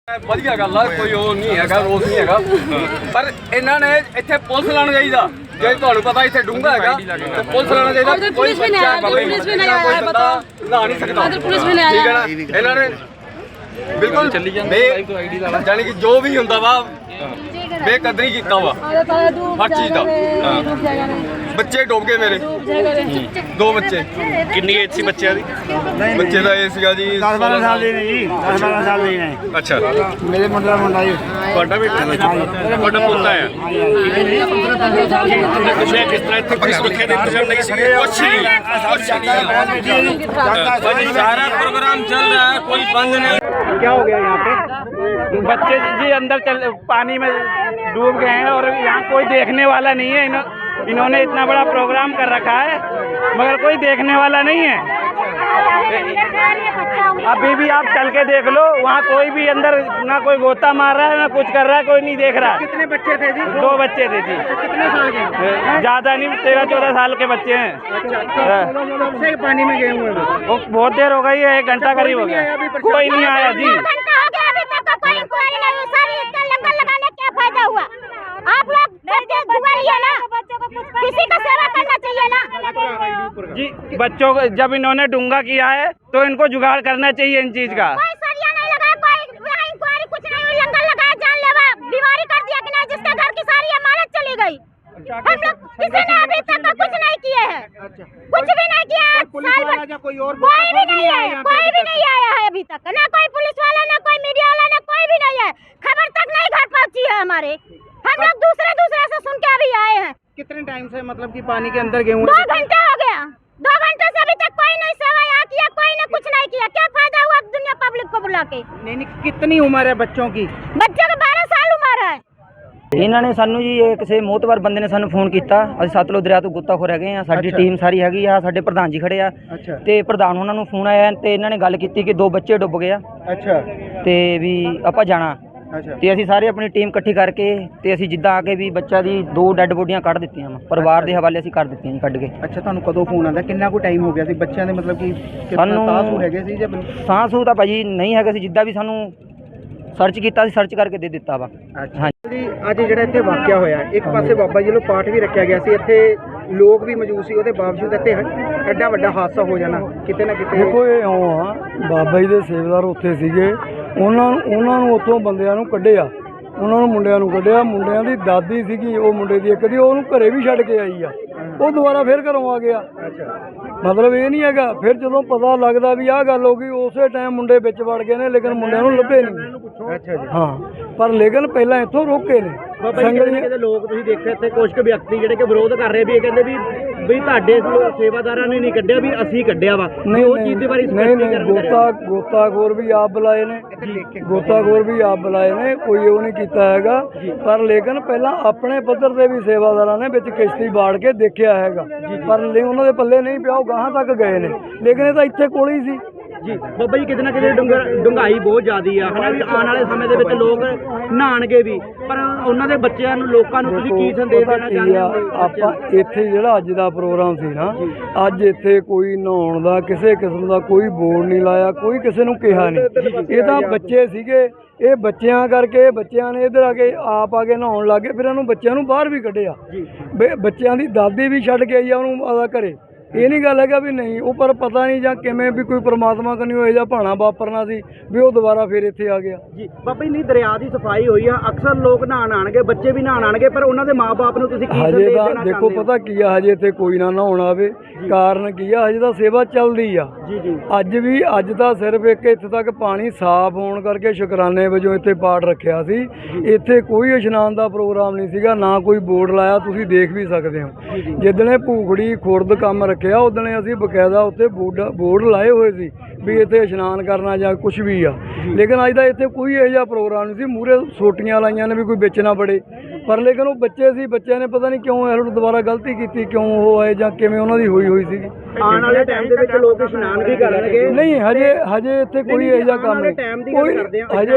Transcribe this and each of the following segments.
ਵਧੀਆ ਗੱਲ ਆ, ਕੋਈ ਉਹ ਨਹੀਂ ਹੈਗਾ, ਰੋਸ ਨਹੀਂ ਹੈਗਾ, ਪਰ ਇਹਨਾਂ ਨੇ ਇੱਥੇ ਪੁਲਿਸ ਲਾਉਣਾ ਚਾਹੀਦਾ। ਜੇ ਤੁਹਾਨੂੰ ਪਤਾ ਇੱਥੇ ਡੂੰਘਾ ਹੈਗਾ ਤੇ ਪੁਲਿਸ ਲਾਉਣਾ ਚਾਹੀਦਾ। ਕੋਈ ਬੱਚਾ ਕੋਈ ਬੰਦਾ ਲਾ ਨਹੀਂ ਸਕਦਾ, ਠੀਕ ਹੈ ਨਾ। ਇਹਨਾਂ ਨੇ ਬਿਲਕੁਲ ਜਾਨੀ ਕਿ ਜੋ ਵੀ ਹੁੰਦਾ ਵਾ ਬੇਕਦਰੀ ਕੀਤਾ ਵਾ ਹਰ ਚੀਜ਼ ਦਾ। ਬੱਚੇ ਡੁੱਬ ਗਏ ਮੇਰੇ, 2 ਬੱਚੇ। ਕਿੰਨੀ ਏਜ ਸੀ ਬੱਚਿਆਂ ਦੀ? ਬੱਚੇ ਦਾ ਇਹ ਸੀਗਾ ਜੀ 10-12 ਸਾਲ ਦੇ ਨੇ ਜੀ, 10-12 ਸਾਲ ਦੇ ਨੇ। ਅੱਛਾ, ਮੇਰੇ ਮੁੰਡਾ ਜੀ ਤੁਹਾਡਾ ਬੇਟਾ, ਤੁਹਾਡਾ ਪੋਤਾ ਹੈ। ਤੁਸੀਂ ਕਿਸ ਤਰ੍ਹਾਂ ਇੱਥੇ ਕੋਈ ਸੁਰੱਖਿਆ ਦੇ ਇੰਤਜ਼ਾਮ ਨਹੀਂ ਸੀਗੇ? ਕੁਛ नहीं, सारा प्रोग्राम चल रहा है, कोई बंद नहीं। क्या हो गया यहाँ पे? बच्चे जी अंदर पानी में डूब गए हैं और यहाँ कोई देखने वाला नहीं है। इन्होंने इतना बड़ा प्रोग्राम कर रखा है मगर कोई देखने वाला नहीं है। अभी भी आप चल के देख लो, वहाँ कोई भी अंदर ना कोई गोता मार रहा है ना कुछ कर रहा है, कोई नहीं देख रहा। कितने बच्चे थे जी? 2 बच्चे थे जी। कितने साल के? ज़्यादा नहीं, 13-14 साल के बच्चे हैं। कब से पानी में गए हुए हैं? वो बहुत देर हो गई है, 1 घंटा करीब हो गया, कोई नहीं आया जी। आप लोग है ना, किसी का सेवा करना चाहिए ना जी। बच्चों को जब इन्होंने डूंगा किया है तो इनको जुगाड़ करना चाहिए इन चीज का। कोई सरिया नहीं लगाया, कोई इंक्वायरी कुछ नहीं हुई, लंगर लगाया, जानलेवा बीमारी कर दिया कि नहीं, जिसके घर की सारी अमानत चली गई। हम लोग किसी ने अभी तक कुछ नहीं किए हैं, कुछ भी नहीं किया है। कोई भी नहीं आया, कोई भी नहीं आया है अभी तक, ना कोई पुलिस वाला, ना कोई मीडिया वाला, ना कोई भी नहीं है। खबर तक नहीं घर पहुंची है हमारे। हम लोग दूसरे से सुन के अभी आए हैं। कितने टाइम से मतलब कि पानी के अंदर गए हुए? 2 घंटे हो गया, 2 घंटे से अभी तक कोई नहीं सेवा यहाँ किया, कोई ने कुछ नहीं किया। क्या फायदा हुआ दुनिया पब्लिक को बुला के? नहीं, कितनी उम्र है बच्चों की? बच्चों का 12 साल उम्र है। ਇਹਨਾਂ ਨੇ ਸਾਨੂੰ ਜੀ ਕਿਸੇ ਮੋਹਤਵਾਰ ਬੰਦੇ ਨੇ ਸਾਨੂੰ ਫੋਨ ਕੀਤਾ। ਅਸੀਂ ਸਤਲੁਜ ਦਰਿਆ ਤੋਂ ਗੁੱਤਾਖੋਰ ਹੈਗੇ ਆ, ਸਾਡੀ ਟੀਮ ਸਾਰੀ ਹੈਗੀ ਆ, ਸਾਡੇ ਪ੍ਰਧਾਨ ਜੀ ਖੜੇ ਆ ਤੇ ਪ੍ਰਧਾਨ ਉਹਨਾਂ ਨੂੰ ਫੋਨ ਆਇਆ ਤੇ ਇਹਨਾਂ ਨੇ ਗੱਲ ਕੀਤੀ ਕਿ 2 ਬੱਚੇ ਡੁੱਬ ਗਏ ਆ। ਅੱਛਾ, ਤੇ ਵੀ ਆਪਾਂ ਜਾਣਾ। ਅੱਛਾ, ਤੇ ਅਸੀਂ ਸਾਰੇ ਆਪਣੀ ਟੀਮ ਇਕੱਠੀ ਕਰਕੇ ਤੇ ਅਸੀਂ ਜਿੱਦਾਂ ਆ ਕੇ ਵੀ ਬੱਚਾ ਦੀ 2 ਡੈੱਡ ਬੋਡੀਆਂ ਕੱਢ ਦਿੱਤੀਆਂ ਵਾ, ਪਰਿਵਾਰ ਦੇ ਹਵਾਲੇ ਅਸੀਂ ਕਰ ਦਿੱਤੀਆਂ ਜੀ ਕੱਢ ਕੇ। ਅੱਛਾ, ਤੁਹਾਨੂੰ ਕਦੋਂ ਫੋਨ ਆਉਂਦਾ? ਕਿੰਨਾ ਕੁ ਟਾਈਮ ਹੋ ਗਿਆ ਸੀ ਬੱਚਿਆਂ ਦੇ? ਮਤਲਬ ਕਿ ਸਾਨੂੰ ਸਾਹ ਹੈਗੇ ਸੀ ਜਾਂ ਸਾਹ ਸੂਹ ਤਾਂ ਭਾਜੀ ਨਹੀਂ ਹੈਗਾ ਸੀ, ਜਿੱਦਾਂ ਵੀ ਸਾਨੂੰ ਸਰਚ ਕੀਤਾ ਸੀ, ਸਰਚ ਕਰਕੇ ਦੇ ਦਿੱਤਾ ਵਾ। ਹਾਂਜੀ ਜੀ, ਅੱਜ ਜਿਹੜਾ ਇੱਥੇ ਵਾਕਿਆ ਹੋਇਆ, ਇੱਕ ਪਾਸੇ ਬਾਬਾ ਜੀ ਵੱਲੋਂ ਪਾਠ ਵੀ ਰੱਖਿਆ ਗਿਆ ਸੀ, ਇੱਥੇ ਲੋਕ ਵੀ ਮੌਜੂਦ ਸੀ, ਉਹਦੇ ਬਾਵਜੂਦ ਇੱਥੇ ਐਡਾ ਵੱਡਾ ਹਾਦਸਾ ਹੋ ਜਾਣਾ ਕਿਤੇ ਨਾ ਕਿਤੇ। ਦੇਖੋ ਇਹ ਇਉਂ ਆ, ਬਾਬਾ ਜੀ ਦੇ ਸੇਵਾਦਾਰ ਉੱਥੇ ਸੀਗੇ, ਉਹਨਾਂ ਨੂੰ ਉੱਥੋਂ ਬੰਦਿਆਂ ਨੂੰ ਕੱਢਿਆ, ਉਹਨਾਂ ਨੂੰ ਮੁੰਡਿਆਂ ਨੂੰ ਕੱਢਿਆ। ਮੁੰਡਿਆਂ ਦੀ ਦਾਦੀ ਸੀਗੀ, ਉਹ ਮੁੰਡੇ ਦੀ ਇੱਕ ਦੀ, ਉਹਨੂੰ ਘਰੇ ਵੀ ਛੱਡ ਕੇ ਆਈ ਆ, ਉਹ ਦੁਬਾਰਾ ਫਿਰ ਘਰੋਂ ਆ ਗਿਆ। ਮਤਲਬ ਇਹ ਨਹੀਂ ਹੈਗਾ। ਫਿਰ ਜਦੋਂ ਪਤਾ ਲੱਗਦਾ ਵੀ ਆਹ ਗੱਲ ਹੋ ਗਈ, ਉਸੇ ਟਾਈਮ ਮੁੰਡੇ ਵਿੱਚ ਵੜ ਗਏ ਨੇ, ਲੇਕਿਨ ਮੁੰਡਿਆਂ ਨੂੰ ਲੱਭੇ ਨਹੀਂ। ਅੱਛਾ ਜੀ, ਹਾਂ, ਪਰ ਲੇਕਿਨ ਪਹਿਲਾਂ ਇੱਥੋਂ ਰੋਕੇ ਨੇ ਸੰਗਲੀਆਂ ਦੇ ਲੋਕ। ਤੁਸੀਂ ਦੇਖਿਆ ਇੱਥੇ ਕੁਝ ਕੁ ਵਿਅਕਤੀ ਜਿਹੜੇ ਕਿ ਵਿਰੋਧ ਕਰ ਰਹੇ ਵੀ, ਇਹ ਕਹਿੰਦੇ ਵੀ ਤੁਹਾਡੇ ਸੇਵਾਦਾਰਾਂ ਨੇ ਨਹੀਂ ਕੱਢਿਆ, ਵੀ ਅਸੀਂ ਕੱਢਿਆ ਵਾ। ਨਹੀਂ, ਉਹ ਚੀਜ਼ ਦੇ ਬਾਰੇ ਗੋਤਾਖੋਰ ਵੀ ਆਪ ਬੁਲਾਏ ਨੇ, ਗੋਤਾਖੋਰ ਵੀ ਆਪ ਬੁਲਾਏ ਨੇ, ਕੋਈ ਉਹ ਨਹੀਂ ਕੀਤਾ ਹੈਗਾ। ਪਰ ਲੇਕਿਨ ਪਹਿਲਾਂ ਆਪਣੇ ਪੱਧਰ ਦੇ ਵੀ ਸੇਵਾਦਾਰਾਂ ਨੇ ਵਿੱਚ ਕਿਸ਼ਤੀ ਬਾੜ ਕੇ ਦੇਖਿਆ ਹੈਗਾ, ਪਰ ਉਹਨਾਂ ਦੇ ਪੱਲੇ ਨਹੀਂ ਪਿਆ, ਉਹ ਗਾਹਾਂ ਤੱਕ ਗਏ ਨੇ, ਲੇਕਿਨ ਇਹ ਤਾਂ ਇੱਥੇ ਕੋਲ ਹੀ ਸੀ। ਜੀ ਬਾਬਾ ਜੀ, ਕਿਤੇ ਨਾ ਕਿਤੇ ਡੂੰਘਾਈ ਬਹੁਤ ਜ਼ਿਆਦੀ ਆ, ਹਨਾ ਵੀ ਆਉਣ ਵਾਲੇ ਸਮੇਂ ਦੇ ਵਿੱਚ ਲੋਕ ਨਹਾਣਗੇ ਵੀ, ਪਰ ਉਹਨਾਂ ਦੇ ਬੱਚਿਆਂ ਨੂੰ, ਲੋਕਾਂ ਨੂੰ ਤੁਸੀਂ ਕੀ ਸੰਦੇਸ਼ ਦੇਣਾ ਚਾਹੁੰਦੇ ਹੋ? ਆਪਾਂ ਇੱਥੇ ਜਿਹੜਾ ਅੱਜ ਦਾ ਪ੍ਰੋਗਰਾਮ ਸੀ ਨਾ, ਅੱਜ ਇੱਥੇ ਕੋਈ ਨਹਾਉਣ ਦਾ ਕਿਸੇ ਕਿਸਮ ਦਾ ਕੋਈ ਬੋਰਡ ਨਹੀਂ ਲਾਇਆ, ਕੋਈ ਕਿਸੇ ਨੂੰ ਕਿਹਾ ਨਹੀਂ। ਇਹ ਤਾਂ ਬੱਚੇ ਸੀਗੇ, ਇਹ ਬੱਚਿਆਂ ਕਰਕੇ ਬੱਚਿਆਂ ਨੇ ਇੱਧਰ ਆ ਕੇ ਆਪ ਆ ਕੇ ਨਹਾਉਣ ਲੱਗੇ, ਫਿਰ ਇਹਨੂੰ ਬੱਚਿਆਂ ਨੂੰ ਬਾਹਰ ਵੀ ਕੱਢਿਆ। ਬੱਚਿਆਂ ਦੀ ਦਾਦੀ ਵੀ ਛੱਡ ਕੇ ਆਈ ਆ ਉਹਨੂੰ ਆਦਾ ਘਰੇ। ਇਹ ਨਹੀਂ ਗੱਲ ਹੈਗਾ ਵੀ ਨਹੀਂ, ਉਹ ਪਰ ਪਤਾ ਨਹੀਂ ਜਾਂ ਕਿਵੇਂ ਵੀ ਕੋਈ ਪਰਮਾਤਮਾ ਕਨੀ ਹੋਏ ਜਾਂ ਭਾਣਾ ਵਾਪਰਨਾ ਸੀ ਵੀ ਉਹ ਦੁਬਾਰਾ ਫਿਰ ਇੱਥੇ ਆ ਗਿਆ। ਜੀ ਬਾਬਾ ਜੀ, ਨਹੀਂ ਦਰਿਆ ਦੀ ਸਫਾਈ ਹੋਈ ਆ, ਅਕਸਰ ਲੋਕ ਨਹਾਣ ਆਣਗੇ, ਬੱਚੇ ਵੀ ਨਹਾਣ ਆਣਗੇ, ਪਰ ਉਹਨਾਂ ਦੇ ਮਾਪੇ ਨੂੰ ਤੁਸੀਂ ਕੀ ਸੰਦੇਸ਼ ਦੇਣਾ ਚਾਹੁੰਦੇ ਹੋ? ਦੇਖੋ ਪਤਾ ਕੀ ਆ, ਹਜੇ ਇੱਥੇ ਕੋਈ ਨਾ ਨਹਾਉਣ ਆਵੇ, ਕਾਰਨ ਕੀ ਆ, ਹਜੇ ਤਾਂ ਸੇਵਾ ਚੱਲਦੀ ਆ। ਅੱਜ ਤਾਂ ਸਿਰਫ ਇੱਕ ਇੱਥੇ ਤੱਕ ਪਾਣੀ ਸਾਫ਼ ਹੋਣ ਕਰਕੇ ਸ਼ੁਕਰਾਨੇ ਵਜੋਂ ਇੱਥੇ ਪਾਠ ਰੱਖਿਆ ਸੀ। ਇੱਥੇ ਕੋਈ ਇਸ਼ਨਾਨ ਦਾ ਪ੍ਰੋਗਰਾਮ ਨਹੀਂ ਸੀਗਾ, ਨਾ ਕੋਈ ਬੋਰਡ ਲਾਇਆ, ਤੁਸੀਂ ਦੇਖ ਵੀ ਸਕਦੇ ਹੋ। ਜਿੱਦਣੇ ਭੂਖੜੀ ਖੁਰਦ ਕੰਮ ਰੱਖਿਆ, ਉਦਣੇ ਅਸੀਂ ਬਕਾਇਦਾ ਉੱਤੇ ਬੋਰਡ ਲਾਏ ਹੋਏ ਸੀ ਵੀ ਇੱਥੇ ਇਸ਼ਨਾਨ ਕਰਨਾ ਜਾਂ ਕੁਝ ਵੀ ਆ, ਲੇਕਿਨ ਅੱਜ ਦਾ ਇੱਥੇ ਕੋਈ ਇਹੋ ਜਿਹਾ ਪ੍ਰੋਗਰਾਮ ਨਹੀਂ ਸੀ। ਮੂਹਰੇ ਸੋਟੀਆਂ ਲਾਈਆਂ ਨੇ ਵੀ ਕੋਈ ਵਿੱਚ ਨਾ ਵੜੇ, ਪਰ ਲੇਕਿਨ ਉਹ ਬੱਚੇ ਸੀ, ਬੱਚਿਆਂ ਨੇ ਪਤਾ ਨਹੀਂ ਕਿਉਂ ਇਹੋ ਦੁਬਾਰਾ ਗਲਤੀ ਕੀਤੀ, ਕਿਉਂ ਉਹ ਆਏ ਜਾਂ ਕਿਵੇਂ ਉਹਨਾਂ ਦੀ ਹੋਈ ਸੀਗੀ। ਆਉਣ ਵਾਲੇ ਟਾਈਮ ਦੇ ਵਿੱਚ ਲੋਕ ਇਸ਼ਨਾਨ ਵੀ ਕਰਨਗੇ। ਨਹੀਂ, ਹਜੇ ਇੱਥੇ ਕੋਈ ਇਹੋ ਜਿਹਾ ਕੰਮ ਨਹੀਂ। ਕੋਈ ਹਜੇ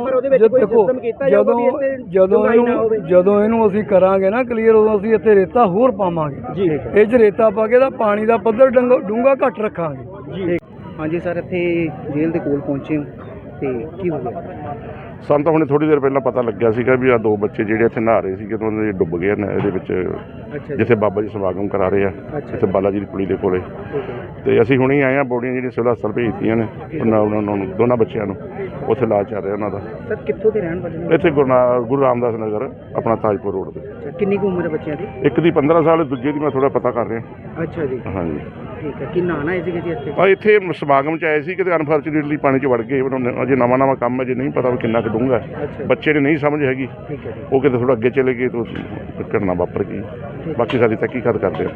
ਜਦੋਂ ਇਹਨੂੰ ਅਸੀਂ ਕਰਾਂਗੇ ਨਾ ਕਲੀਅਰ, ਉਦੋਂ ਅਸੀਂ ਇੱਥੇ ਰੇਤਾ ਹੋਰ ਪਾਵਾਂਗੇ। ਇਹ 'ਚ ਰੇਤਾ ਪਾ ਕੇ ਤਾਂ ਪਾਣੀ ਦਾ ਪੱਧਰ ਡੂੰਘਾ ਘੱਟ ਰੱਖਾਂਗੇ। ਹਾਂਜੀ ਸਰ, ਇੱਥੇ ਜੇਲ੍ਹ ਦੇ ਕੋਲ ਪਹੁੰਚੇ ਹੋ ਤੇ ਕੀ ਹੋ ਗਿਆ? ਸਾਨੂੰ ਤਾਂ ਹੁਣੇ ਥੋੜੀ ਦੇਰ ਪਹਿਲਾਂ ਪਤਾ ਲੱਗਿਆ ਸੀਗਾ ਵੀ ਆ 2 ਬੱਚੇ ਜਿਹੜੇ ਇੱਥੇ ਨਹਾ ਰਹੇ ਸੀਗੇ ਤੇ ਉਹਨਾਂ ਦੇ ਡੁੱਬ ਗਏ ਨੇ ਇਹਦੇ ਵਿੱਚ, ਜਿੱਥੇ ਬਾਬਾ ਜੀ ਸਮਾਗਮ ਕਰਾ ਰਹੇ ਆ ਇੱਥੇ ਬਾਲਾ ਜੀ ਦੀ ਪੁਲੀ ਦੇ ਕੋਲੇ। ਤੇ ਅਸੀਂ ਹੁਣੇ ਆਏ ਆ, ਬੋਡੀਆਂ ਜਿਹੜੀਆਂ ਸਿਵਲ ਹਸਪਤਾਲ ਭੇਜਤੀਆਂ ਨੇ ਉਹਨਾਂ ਨੂੰ ਦੋਨਾਂ ਬੱਚਿਆਂ ਨੂੰ, ਉੱਥੇ ਇਲਾਜ ਚੱਲ ਰਿਹਾ ਉਹਨਾਂ ਦਾ। ਸਰ ਕਿੱਥੋਂ ਦੇ ਰਹਿਣ ਵਾਲੇ ਨੇ? ਇੱਥੇ ਗੁਰੂ ਰਾਮਦਾਸ ਨਗਰ ਆਪਣਾ ਤਾਜਪੁਰ ਰੋਡ ਤੇ। ਕਿੰਨੀ ਕੁ ਉਮਰ ਹੈ ਬੱਚਿਆਂ ਦੀ? ਇੱਕ ਦੀ 15 ਸਾਲ, ਦੂਜੇ ਦੀ ਮੈਂ ਥੋੜਾ ਪਤਾ ਕਰ ਰਿਹਾ। ਅੱਛਾ ਜੀ, ਹਾਂਜੀ ਠੀਕ ਹੈ। ਕੀ ਨਹਾਣਾ ਹੈ ਜੀ ਇੱਥੇ? ਆ ਇੱਥੇ ਸਮਾਗਮ 'ਚ ਆਏ ਸੀ, ਕਿਤੇ ਅਨਫੋਰਚੂਨੇਟਲੀ ਪਾਣੀ 'ਚ ਵੜ ਗਏ। ਅਜੇ ਨਵਾਂ ਕੰਮ ਹੈ, ਜੇ ਨਹੀਂ ਪਤਾ ਵੀ ਕਿੰਨਾ ਕੁ ਡੂੰਘਾ। ਬੱਚੇ ਨੇ ਨਹੀਂ ਸਮਝ ਹੈਗੀ, ਉਹ ਕਿਤੇ ਥੋੜਾ ਅੱਗੇ ਚਲੇ ਗਏ ਤਾਂ ਘਟਨਾ ਵਾਪਰ ਗਈ। ਬਾਕੀ ਸਾਡੀ ਤਹਿਕੀਕਾਤ ਕਰਦੇ ਆ।